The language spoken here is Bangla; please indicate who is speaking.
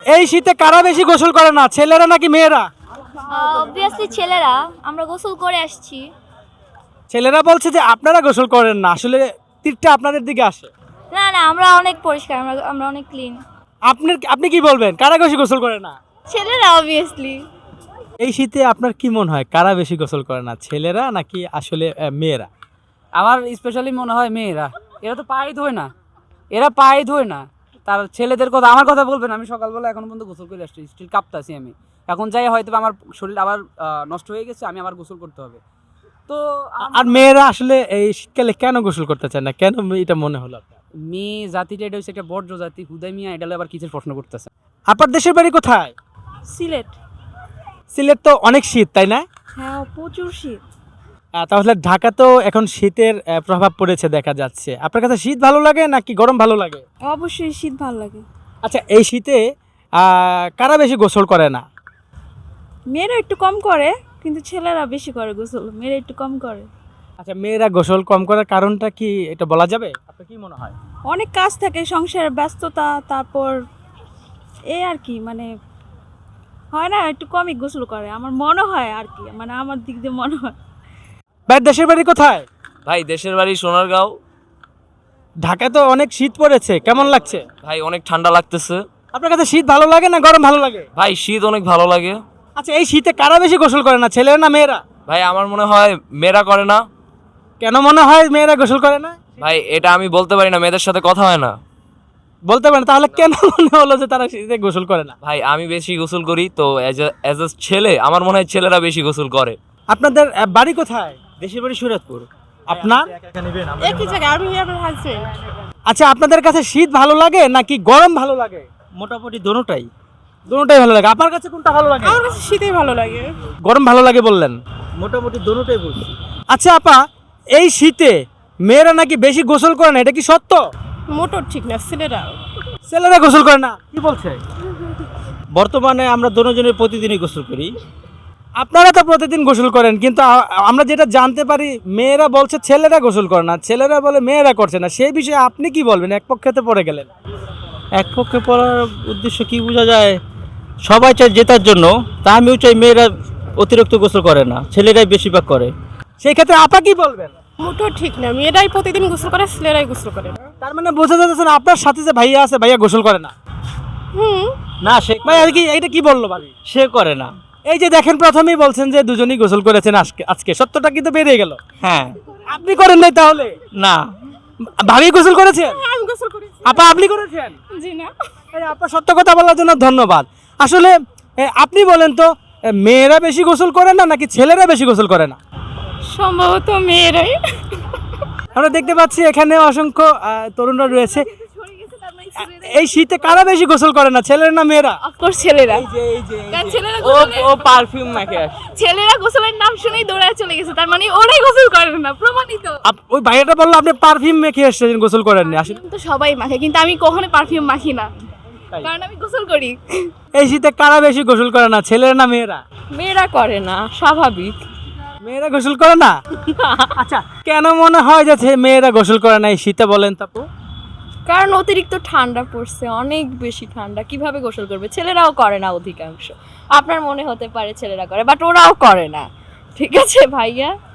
Speaker 1: এই শীতে কারা বেশি গোসল করে না, ছেলেরা নাকি মেয়েরা?
Speaker 2: অবভিয়াসলি ছেলেরা, আমরা গোসল করে আসছি।
Speaker 1: ছেলেরা বলছে যে আপনারা গোসল করেন না, আসলে তীরটা আপনাদের দিকে আসে।
Speaker 2: না না, আমরা অনেক পরিষ্কার, আমরা অনেক ক্লিন।
Speaker 1: আপনি কি বলবেন, কারা বেশি গোসল করে না?
Speaker 2: ছেলেরা অবভিয়াসলি।
Speaker 1: এই শীতে আপনার কি মনে হয় কারা বেশি গোসল করে না, ছেলেরা নাকি আসলে মেয়েরা?
Speaker 3: আমার স্পেশালি মনে হয় মেয়েরা। এরা তো পায়ে ধোয় না, এরা পায়ে ধোয় না। তার ছেলেদের কথা, আমার কথা বলবেন, আমি সকালবেলা এখন পর্যন্ত গোসল করে আসছি, স্টিল কাঁপতাছি আমি। এখন যাই হয়তো আমার শরীর আবার নষ্ট হয়ে গেছে, আমি আবার গোসল করতে হবে। তো
Speaker 1: আর মেয়েরা আসলে এই শীতকালে কেন গোসল করতে চায় না, কেন এটা মনে হলো আপনার?
Speaker 3: মেয়ে জাতিটা এটা হচ্ছে একটা বর্জ্য জাতি, হুদাই মিয়া এটা আবার কিসের প্রশ্ন করতেছে।
Speaker 1: আপনার দেশের বাড়ি কোথায়?
Speaker 4: সিলেট।
Speaker 1: সিলেট তো অনেক শীত, তাই না?
Speaker 4: হ্যাঁ, প্রচুর শীত।
Speaker 1: তাহলে ঢাকা তো এখন শীতের প্রভাব পড়েছে দেখা যাচ্ছে। আপনার কাছে শীত ভালো লাগে নাকি গরম ভালো লাগে?
Speaker 4: অবশ্যই শীত ভালো লাগে।
Speaker 1: আচ্ছা, এই শীতে কারা বেশি গোসল করে না?
Speaker 4: মেয়েরা একটু কম করে, কিন্তু ছেলেরা বেশি করে গোসল, মেয়েরা একটু কম করে।
Speaker 1: আচ্ছা, মেয়েরা গোসল কম করার কারণটা কি এটা বলা যাবে? আপনার কি মনে হয়?
Speaker 4: অনেক কাজ থাকে, সংসারের ব্যস্ততা, তারপর এই আর কি, মানে হয় না, একটু কমই গোসল করে আমার মনে হয় আর কি, মানে আমার দিক দিয়ে মনে হয়।
Speaker 1: ভাই, দেশের বাড়ি কোথায়?
Speaker 5: ভাই দেশের বাড়ি সোনারগাঁও।
Speaker 1: ঢাকায় তো অনেক শীত পড়েছে, কেমন লাগছে?
Speaker 5: ভাই অনেক ঠান্ডা লাগতেছে।
Speaker 1: আপনার কাছে শীত ভালো লাগে না গরম ভালো লাগে?
Speaker 5: ভাই শীত অনেক ভালো লাগে।
Speaker 1: আচ্ছা, এই শীতে কারা বেশি গোসল করে না, ছেলেরা না মেয়েরা?
Speaker 5: ভাই আমার মনে হয় মেয়েরা করে না।
Speaker 1: কেন মনে হয় মেয়েরা গোসল করে না?
Speaker 5: ভাই এটা আমি বলতে পারি না, মেয়েদের সাথে কথা হয় না।
Speaker 1: বলতে পারেন, তাহলে কেন মনে হলো যে তারা শীতে গোসল করে না?
Speaker 5: ভাই আমি বেশি গোসল করি তো এজ এ ছেলে আমার মনে হয় ছেলেরা বেশি গোসল করে।
Speaker 1: আপনাদের বাড়ি কোথায়? দেশের বাড়ি সুরতপুর। আপনার?
Speaker 4: একই জায়গায়, আমি আমার হাজবেন্ড।
Speaker 1: আচ্ছা, আপনাদের কাছে শীত ভালো লাগে নাকি গরম ভালো লাগে?
Speaker 6: মোটামুটি দোনোটাই
Speaker 1: দুটোটাই ভালো লাগে। আপনার কাছে কোনটা ভালো লাগে?
Speaker 4: আমার কাছে শীতই ভালো লাগে।
Speaker 1: গরম ভালো লাগে বললেন।
Speaker 6: মোটামুটি দোনোটাই বলছি।
Speaker 1: আচ্ছা আপা, এই শীতে মেয়েরা নাকি বেশি গোসল করে না, এটা কি সত্য?
Speaker 4: মোটর ঠিক না, ছেলেরা।
Speaker 1: ছেলেরা গোসল করে না কি বলছে?
Speaker 6: বর্তমানে আমরা দোনোজনের প্রতিদিনই গোসল করি।
Speaker 1: আপনারা তো প্রতিদিন গোসল করেন, কিন্তু আমরা যেটা জানতে পারি মেয়েরা বলছে ছেলেরা গোসল করে না, ছেলেরা বলে মেয়েরা করছে না। সেই বিষয়ে আপনি কি বলবেন? এক পক্ষেতে পড়ে গেলেন।
Speaker 6: এক পক্ষে পড়ার উদ্দেশ্য কি বোঝা যায়? সবাই চায় জেতার জন্য, তা আমিও চাই মেয়েরা অতিরিক্ত গোসল করে না, ছেলেরাই বেশিরভাগ করে।
Speaker 1: সেই ক্ষেত্রে আপা কি বলবেন?
Speaker 4: মোটর ঠিক না, মেয়েরাই প্রতিদিন গোসল করে, ছেলেরাই গোসল করে।
Speaker 1: তার মানে বোঝা যাচ্ছে না আপনার সাথে যে ভাইয়া আছে, ভাইয়া গোসল করে না।
Speaker 6: না, সে
Speaker 1: ভাই আর কি এটা কি বললো ভাবি?
Speaker 6: সে করে না।
Speaker 1: এই যে দেখেন, প্রথমেই বলছেন যে দুজনেই গোসল করেছেন আজকে সত্যটা কিন্তু বেরিয়ে গেল।
Speaker 6: হ্যাঁ।
Speaker 1: আপনি করেন নাই তাহলে?
Speaker 6: না।
Speaker 1: ভাবি গোসল করেছেন?
Speaker 4: আমি গোসল করি।
Speaker 1: আপা আপনি করেছেন?
Speaker 4: জি না।
Speaker 1: এই আপা সত্য কথা বলার জন্য ধন্যবাদ। আসলে আপনি বলেন তো, মেয়েরা বেশি গোসল করে না নাকি ছেলেরা বেশি গোসল করে না?
Speaker 4: সম্ভবত মেয়েরাই।
Speaker 1: আমরা দেখতে পাচ্ছি এখানে অসংখ্য তরুণরা রয়েছে। এই শীতে কারা বেশি গোসল করে না, ছেলেরা না মেয়েরা?
Speaker 4: অফকোর্স ছেলেরা। কারণ ছেলেরা
Speaker 3: ও পারফিউম মাখে আসে।
Speaker 4: ছেলেরা গোসলের নাম শুনেই দৌড়ায় চলে গেছে, তার মানে ওরাই গোসল করে না, প্রমাণিত।
Speaker 1: ওই ভাইয়াটা বললো আপনি পারফিউম মেখে এসেছেন, গোসল করেননি। আসলে
Speaker 4: তো সবাই মাখে, কিন্তু আমি কখনো পারফিউম মাখি না, কারণ আমি গোসল করি।
Speaker 1: এই শীতে কারা বেশি গোসল করে না, ছেলেরা না মেয়েরা?
Speaker 4: মেয়েরা করে না, স্বাভাবিক।
Speaker 1: মেয়েরা গোসল করে না? আচ্ছা, কেন মনে হয় যে মেয়েরা গোসল করে না এই শীতে, বলেন তাপু?
Speaker 7: কারণ অতিরিক্ত ঠান্ডা পড়ছে, অনেক বেশি ঠান্ডা, কিভাবে গোসল করবে? ছেলেরাও করে না অধিকাংশ। আপনার মনে হতে পারে ছেলেরা করে, বাট ওরাও করে না। ঠিক আছে ভাইয়া?